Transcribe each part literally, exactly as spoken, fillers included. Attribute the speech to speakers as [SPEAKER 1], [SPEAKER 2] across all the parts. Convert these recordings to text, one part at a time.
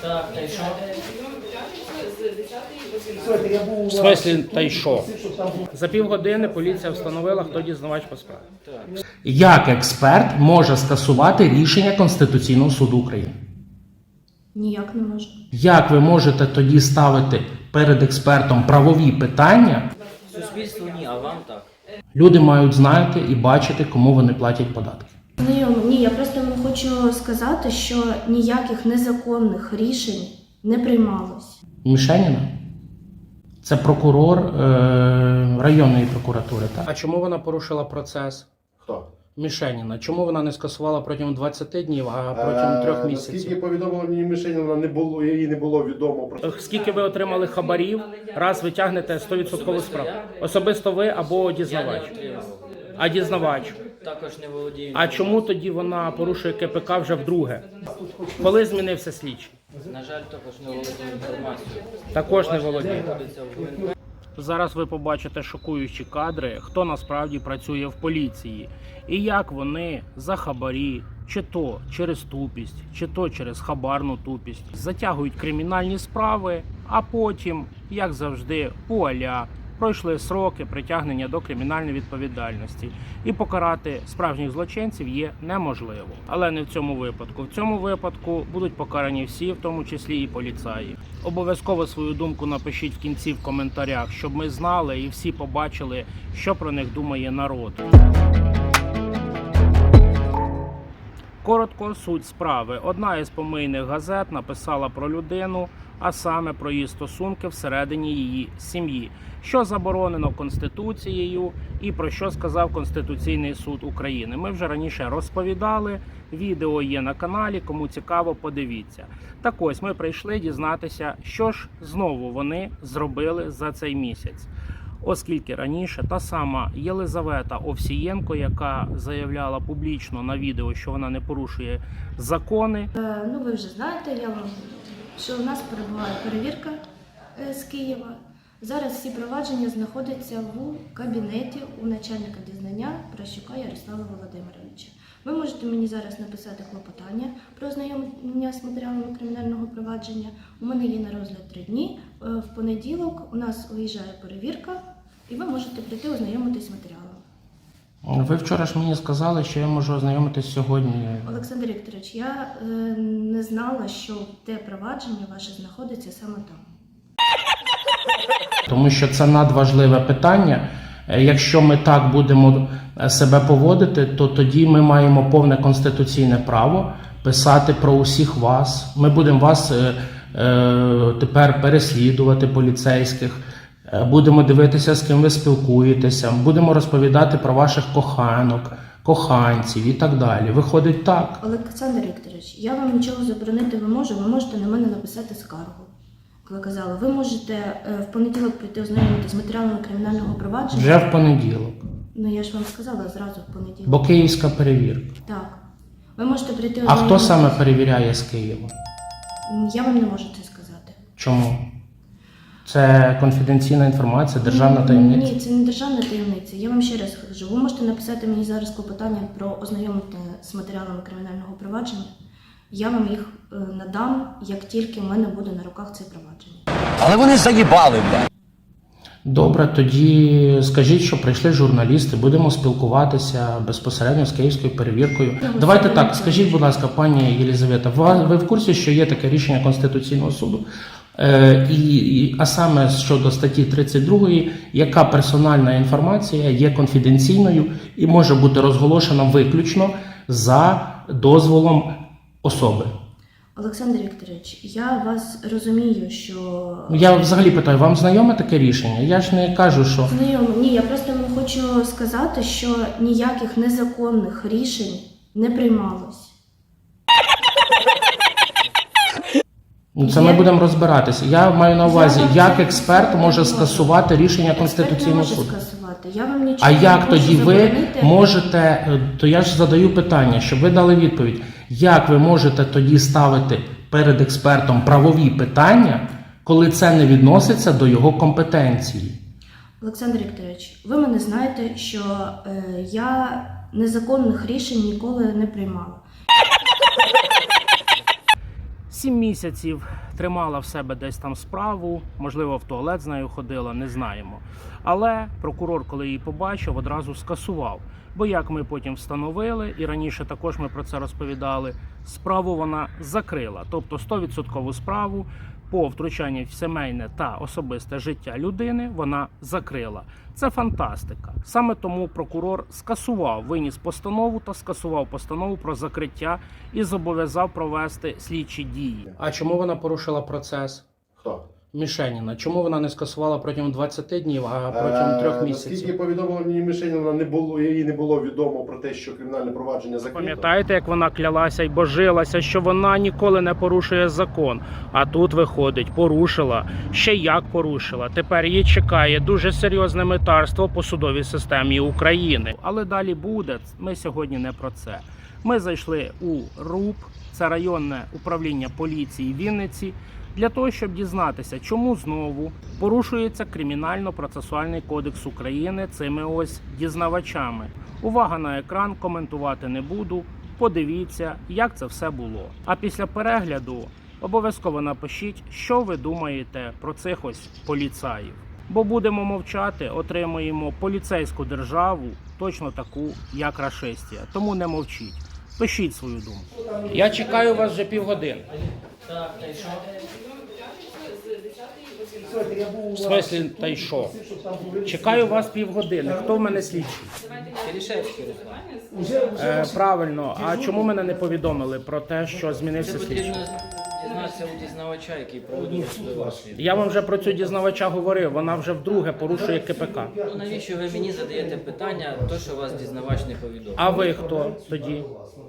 [SPEAKER 1] Так, та й що?
[SPEAKER 2] В смислі, та й що? За півгодини поліція встановила, хто дізнавач по справі. Як експерт може скасувати рішення Конституційного суду України?
[SPEAKER 3] Ніяк не можу.
[SPEAKER 2] Як ви можете тоді ставити перед експертом правові питання?
[SPEAKER 1] Суспільству ні, а вам так.
[SPEAKER 2] Люди мають знати і бачити, кому вони платять податки.
[SPEAKER 3] Знайомо, ні, я просто вам хочу сказати, що ніяких незаконних рішень не приймалось.
[SPEAKER 2] Мішеніна? Це прокурор е- районної прокуратури, так? А чому вона порушила процес?
[SPEAKER 4] Хто?
[SPEAKER 2] Мішеніна. Чому вона не скасувала протягом двадцяти днів, а протягом трьох
[SPEAKER 4] Е,
[SPEAKER 2] місяців?
[SPEAKER 4] Наскільки повідомила мені Мишеніна, не було, їй не було відомо про
[SPEAKER 2] Скільки ви отримали хабарів, раз ви тягнете сто відсотків справу? Особисто ви або
[SPEAKER 1] Я
[SPEAKER 2] дізнавач?
[SPEAKER 1] не отримав.
[SPEAKER 2] А дізнавач?
[SPEAKER 1] Також не володію.
[SPEAKER 2] А чому тоді вона порушує КПК вже вдруге? Коли змінився слідчий?
[SPEAKER 1] На жаль, також не володію інформацією.
[SPEAKER 2] Також не володіє.
[SPEAKER 1] Знаходиться в ВНК.
[SPEAKER 2] Зараз ви побачите шокуючі кадри, хто насправді працює в поліції і як вони за хабарі, чи то через тупість, чи то через хабарну тупість, затягують кримінальні справи, а потім, як завжди, вуаля, пройшли сроки притягнення до кримінальної відповідальності. І покарати справжніх злочинців є неможливо. Але не в цьому випадку. В цьому випадку будуть покарані всі, в тому числі і поліцаї. Обов'язково свою думку напишіть в кінці в коментарях, щоб ми знали і всі побачили, що про них думає народ. Коротко суть справи. Одна із помийних газет написала про людину, а саме про її стосунки всередині її сім'ї, що заборонено Конституцією і про що сказав Конституційний суд України. Ми вже раніше розповідали, відео є на каналі, кому цікаво, подивіться. Так ось, ми прийшли дізнатися, що ж знову вони зробили за цей місяць. Оскільки раніше та сама Єлизавета Овсієнко, яка заявляла публічно на відео, що вона не порушує закони.
[SPEAKER 3] Е, ну, ви вже знаєте, я вам, що у нас перебуває перевірка е, з Києва. Зараз всі провадження знаходяться в кабінеті у начальника дізнання Прощука Ярослава Володимировича. Ви можете мені зараз написати клопотання про ознайомлення з матеріалами кримінального провадження. У мене є на розгляд три дні. Е, В понеділок у нас виїжджає перевірка, і ви можете прийти ознайомитись з матеріалом.
[SPEAKER 2] Ви вчора ж мені сказали, що я можу ознайомитись сьогодні.
[SPEAKER 3] Олександр Вікторович, я е, не знала, що те провадження ваше знаходиться саме там.
[SPEAKER 2] Тому що це надважливе питання. Якщо ми так будемо себе поводити, то тоді ми маємо повне конституційне право писати про усіх вас. Ми будемо вас е, е, тепер переслідувати, поліцейських, е, будемо дивитися, з ким ви спілкуєтеся, будемо розповідати про ваших коханок, коханців і так далі. Виходить так.
[SPEAKER 3] Олександр Вікторович, я вам нічого заборонити не можу, ви можете на мене написати скаргу. Як ви казали, ви можете е, в понеділок прийти ознайомитися з матеріалами кримінального провадження.
[SPEAKER 2] Вже в понеділок.
[SPEAKER 3] Ну я ж вам сказала зразу в понеділок.
[SPEAKER 2] Бо київська перевірка.
[SPEAKER 3] Так. Ви можете прийти
[SPEAKER 2] А хто
[SPEAKER 3] ознайомитись.
[SPEAKER 2] саме перевіряє з Києва?
[SPEAKER 3] Я вам не можу це сказати.
[SPEAKER 2] Чому? Це конфіденційна інформація, державна таємниця?
[SPEAKER 3] Ні, це не державна таємниця. Я вам ще раз кажу, ви можете написати мені зараз клопотання про ознайомлення з матеріалами кримінального провадження. Я вам їх е, надам, як тільки в мене буде на руках це провадження.
[SPEAKER 5] Але вони заїбали, блядь.
[SPEAKER 2] Добре, тоді скажіть, що прийшли журналісти, будемо спілкуватися безпосередньо з київською перевіркою.
[SPEAKER 3] Ну,
[SPEAKER 2] Давайте так, скажіть, будь ласка, пані Єлизавета, ви в курсі, що є таке рішення Конституційного суду? Е, і, і, а саме щодо статті тридцять другої, яка персональна інформація є конфіденційною і може бути розголошена виключно за дозволом особи.
[SPEAKER 3] Олександр Вікторович, я вас розумію, що...
[SPEAKER 2] Я взагалі питаю, вам знайоме таке рішення? Я ж не кажу, що...
[SPEAKER 3] Знайомо. Ні, я просто вам хочу сказати, що ніяких незаконних рішень не приймалось.
[SPEAKER 2] Ну, це ми будемо розбиратися. Я маю на увазі,
[SPEAKER 3] Я вам
[SPEAKER 2] як
[SPEAKER 3] це
[SPEAKER 2] експерт
[SPEAKER 3] не
[SPEAKER 2] може
[SPEAKER 3] можу.
[SPEAKER 2] скасувати рішення
[SPEAKER 3] Експерт не
[SPEAKER 2] Конституційного
[SPEAKER 3] може
[SPEAKER 2] суду.
[SPEAKER 3] скасувати. Я вам нічого
[SPEAKER 2] А
[SPEAKER 3] не
[SPEAKER 2] як
[SPEAKER 3] можу
[SPEAKER 2] тоді ви
[SPEAKER 3] заборонити.
[SPEAKER 2] можете, то я ж задаю питання, щоб ви дали відповідь, як ви можете тоді ставити перед експертом правові питання, коли це не відноситься до його компетенції?
[SPEAKER 3] Олександр Вікторович, ви мене знаєте, що е, я незаконних рішень ніколи не приймала.
[SPEAKER 2] Сім місяців тримала в себе десь там справу, можливо, в туалет з нею ходила, не знаємо. Але прокурор, коли її побачив, одразу скасував. Бо, як ми потім встановили, і раніше також ми про це розповідали, справу вона закрила. Тобто сто відсотків справу по втручанню в сімейне та особисте життя людини вона закрила. Це фантастика. Саме тому прокурор скасував, виніс постанову та скасував постанову про закриття і зобов'язав провести слідчі дії. А чому вона порушила процес?
[SPEAKER 4] Хто?
[SPEAKER 2] Мішеніна. Чому вона не скасувала протягом двадцяти днів, а протягом трьох
[SPEAKER 4] Е,
[SPEAKER 2] місяців?
[SPEAKER 4] Наскільки повідомило мені Мишеніна, не було, їй не було відомо про те, що кримінальне провадження закрито.
[SPEAKER 2] Пам'ятаєте, як вона клялася і божилася, що вона ніколи не порушує закон. А тут виходить, порушила. Ще як порушила. Тепер її чекає дуже серйозне метарство по судовій системі України. Але далі буде. Ми сьогодні не про це. Ми зайшли у РУП, це районне управління поліції Вінниці, для того, щоб дізнатися, чому знову порушується Кримінально-процесуальний кодекс України цими ось дізнавачами. Увага на екран, коментувати не буду. Подивіться, як це все було. А після перегляду обов'язково напишіть, що ви думаєте про цих ось поліцаїв. Бо будемо мовчати, отримуємо поліцейську державу, точно таку, як рашистія. Тому не мовчіть. Пишіть свою думку. Я чекаю вас вже півгодини.
[SPEAKER 1] Так, та й що?
[SPEAKER 2] В смислі, та й що? Чекаю вас півгодини. Хто в мене слідчий?
[SPEAKER 1] Киришевський Руслан.
[SPEAKER 2] Е, правильно. А чому мене не повідомили про те, що змінився
[SPEAKER 1] Це
[SPEAKER 2] слідчий?
[SPEAKER 1] потрібно дізнатися у дізнавача, який проводив судове розслідування.
[SPEAKER 2] Я вам вже про цю дізнавача говорив. Вона вже вдруге порушує КПК.
[SPEAKER 1] Ну навіщо ви мені задаєте питання, то що вас дізнавач не повідомив?
[SPEAKER 2] А ви хто тоді?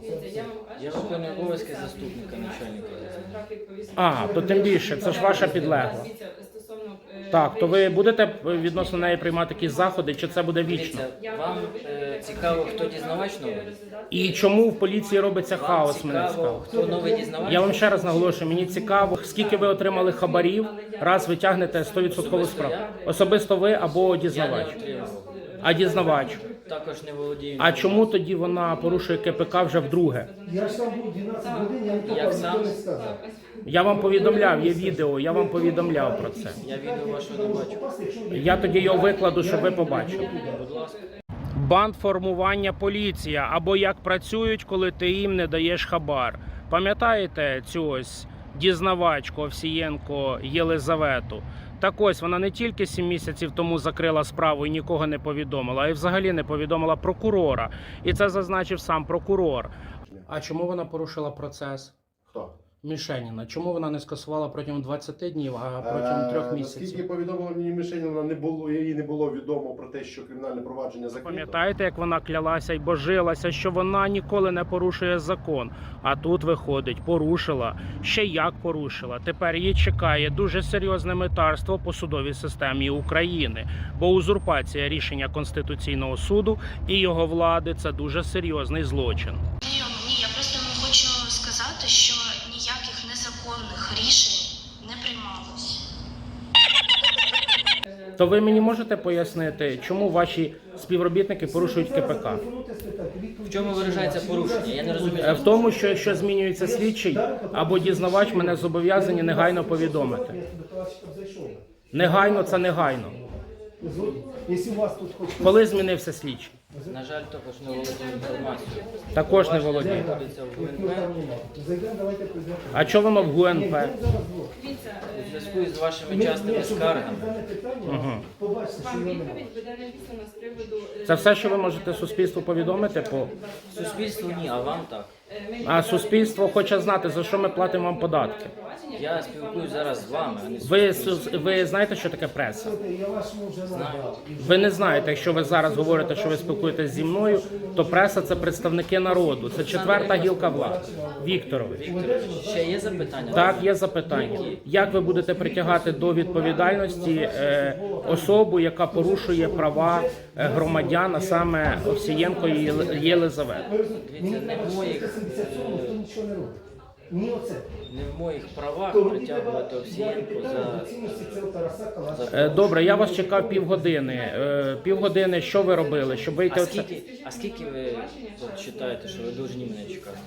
[SPEAKER 1] Я виконую обов'язки заступника начальника.
[SPEAKER 2] А, то тим більше, це ж ваша підлегла. Так, то ви будете відносно неї приймати якісь заходи, чи це буде вічно?
[SPEAKER 1] Дивіться, вам е, цікаво, хто дізнавач новий?
[SPEAKER 2] І чому в поліції робиться
[SPEAKER 1] Вам
[SPEAKER 2] хаос, мене
[SPEAKER 1] цікаво,
[SPEAKER 2] цікаво.
[SPEAKER 1] хто новий дізнавач?
[SPEAKER 2] Я вам ще раз наголошую, мені цікаво, скільки ви отримали хабарів, раз ви тягнете сто відсотків справу. Особисто ви або
[SPEAKER 1] Я не
[SPEAKER 2] дізнавач.
[SPEAKER 1] отримав.
[SPEAKER 2] А дізнавач?
[SPEAKER 1] Також не володію.
[SPEAKER 2] А чому тоді вона порушує КПК вже вдруге?
[SPEAKER 6] Я ж там був дванадцять годин, я не
[SPEAKER 1] Як
[SPEAKER 6] попав,
[SPEAKER 1] сам?
[SPEAKER 6] ніхто не сказав.
[SPEAKER 2] Я вам повідомляв, є відео, я вам повідомляв про це.
[SPEAKER 1] Я відео вашого не бачу.
[SPEAKER 2] Я тоді його викладу, щоб ви побачили.
[SPEAKER 1] Будь ласка.
[SPEAKER 2] Бандформування поліція, або як працюють, коли ти їм не даєш хабар. Пам'ятаєте цю ось дізнавачку Овсієнко Єлизавету? Так ось, вона не тільки сім місяців тому закрила справу і нікого не повідомила, а й взагалі не повідомила прокурора. І це зазначив сам прокурор. А чому вона порушила процес?
[SPEAKER 4] Хто?
[SPEAKER 2] Мішеніна. Чому вона не скасувала протягом двадцяти днів, а протягом трьох
[SPEAKER 4] Е,
[SPEAKER 2] місяців?
[SPEAKER 4] Наскільки повідомило мені Мишеніна, не було, їй не було відомо про те, що кримінальне провадження закрито.
[SPEAKER 2] Пам'ятаєте, як вона клялася і божилася, що вона ніколи не порушує закон. А тут виходить, порушила. Ще як порушила. Тепер її чекає дуже серйозне метарство по судовій системі України. Бо узурпація рішення Конституційного суду і його влади – це дуже серйозний злочин.
[SPEAKER 3] Ні, ні, я просто вам хочу сказати, що ніяких незаконних рішень не приймалось.
[SPEAKER 2] То ви мені можете пояснити, чому ваші співробітники порушують КПК?
[SPEAKER 1] В чому виражається порушення? Я не розумію.
[SPEAKER 2] Е, В тому, що якщо змінюється слідчий або дізнавач, мене зобов'язані негайно повідомити. Негайно – це негайно.
[SPEAKER 6] Якщо у вас тут хоч
[SPEAKER 2] Коли змінився слідчий?
[SPEAKER 1] На жаль, також не володію інформацією.
[SPEAKER 2] Також не володію.
[SPEAKER 1] Знаходиться в ГУНП.
[SPEAKER 6] зайдемо, давайте прийдемо.
[SPEAKER 2] А що воно в ГУНП?
[SPEAKER 1] У зв'язку із вашими частими скаргами.
[SPEAKER 2] Угу.
[SPEAKER 6] Побачите, що
[SPEAKER 7] Вам
[SPEAKER 6] його
[SPEAKER 7] відповідь
[SPEAKER 6] немає.
[SPEAKER 7] буде написано з приводу... е,
[SPEAKER 2] Це все, що ви можете суспільству повідомити? По...
[SPEAKER 1] Суспільству ні, а вам так.
[SPEAKER 7] е, ми
[SPEAKER 2] А суспільство хоче знати, за що ми платимо вам податки.
[SPEAKER 7] провадження.
[SPEAKER 1] Я спілкуюсь зараз з вами, а не з
[SPEAKER 2] Ви,
[SPEAKER 1] суспільством.
[SPEAKER 2] су- ви знаєте, що таке преса?
[SPEAKER 6] Я вашому вже надав.
[SPEAKER 2] Ви не знаєте, якщо ви зараз говорите, що ви спілкуєтесь зі мною, то преса – це представники народу. Це четверта гілка влади. Вікторович.
[SPEAKER 1] Ще є запитання?
[SPEAKER 2] Так, є запитання. Як ви будете притягати до відповідальності е, особу, яка порушує права е, громадян, а саме Овсієнко Єли- Єлизавету?
[SPEAKER 1] Дивіться, не в моїх,
[SPEAKER 6] Ніхто нічого не робить. Ні оце.
[SPEAKER 1] не в моїх правах
[SPEAKER 6] То мені
[SPEAKER 1] притягувати
[SPEAKER 6] треба
[SPEAKER 1] Овсієнко
[SPEAKER 6] питання
[SPEAKER 1] за...
[SPEAKER 6] доцільності цього Тараса Калашка.
[SPEAKER 2] Е, Добре, я вас чекав півгодини. Е, Півгодини, що ви робили, щоб вийти
[SPEAKER 1] А
[SPEAKER 2] оце?
[SPEAKER 1] скільки, а скільки ви от, вважаєте, що ви повинні мене чекати?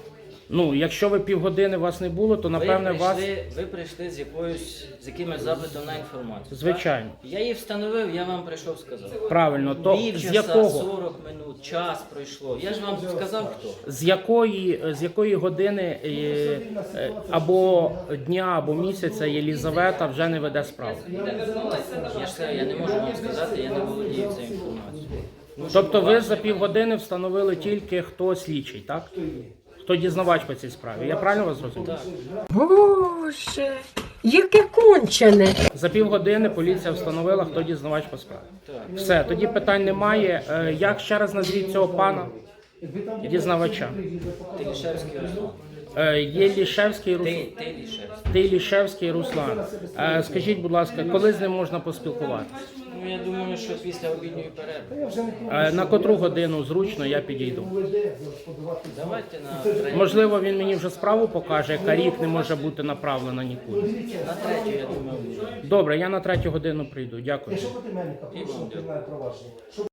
[SPEAKER 2] Ну, якщо ви півгодини вас не було, то напевне
[SPEAKER 1] ви
[SPEAKER 2] вас.
[SPEAKER 1] прийшли, ви прийшли з якоюсь з якимось запитом на інформацію.
[SPEAKER 2] Звичайно.
[SPEAKER 1] Так? Я її встановив, я вам прийшов сказав.
[SPEAKER 2] Правильно, то
[SPEAKER 1] Пів
[SPEAKER 2] з
[SPEAKER 1] часа,
[SPEAKER 2] якого?
[SPEAKER 1] сорок минут, час пройшло. Я ж вам сказав хто.
[SPEAKER 2] З якої, з якої години е, е, або дня, або місяця Єлізавета вже не веде справу?
[SPEAKER 1] Я ж сказав, я не можу вам сказати, я не володію цією інформацією. Ну,
[SPEAKER 2] Тобто
[SPEAKER 1] щоб
[SPEAKER 2] ви
[SPEAKER 1] вас-
[SPEAKER 2] за півгодини встановили тільки хто слідчий, так? Хто дізнавач по цій справі. Я правильно вас зрозумів?
[SPEAKER 1] Так.
[SPEAKER 7] Боже, яке кончене.
[SPEAKER 2] За півгодини поліція встановила, хто дізнавач по справі.
[SPEAKER 1] Так.
[SPEAKER 2] Все, тоді питань немає. Е, Як ще раз назвіть цього пана дізнавача?
[SPEAKER 1] Телішевський Руслан.
[SPEAKER 2] Е, Єлішевський Руслан.
[SPEAKER 1] Ти, ти Лішевський.
[SPEAKER 2] Тилішевський Руслан. Е, Скажіть, будь ласка, коли з ним можна поспілкуватися?
[SPEAKER 1] Ну, я думаю, що після обідньої перерви.
[SPEAKER 2] Е, На котру годину зручно я підійду?
[SPEAKER 1] Давайте на третю.
[SPEAKER 2] Можливо, він мені вже справу покаже, яка рік не може бути направлена нікуди.
[SPEAKER 1] На третю, я думаю, буде.
[SPEAKER 2] Добре, я на третю годину прийду. Дякую.
[SPEAKER 6] Якщо проти мене, порушено кримінальне провадження.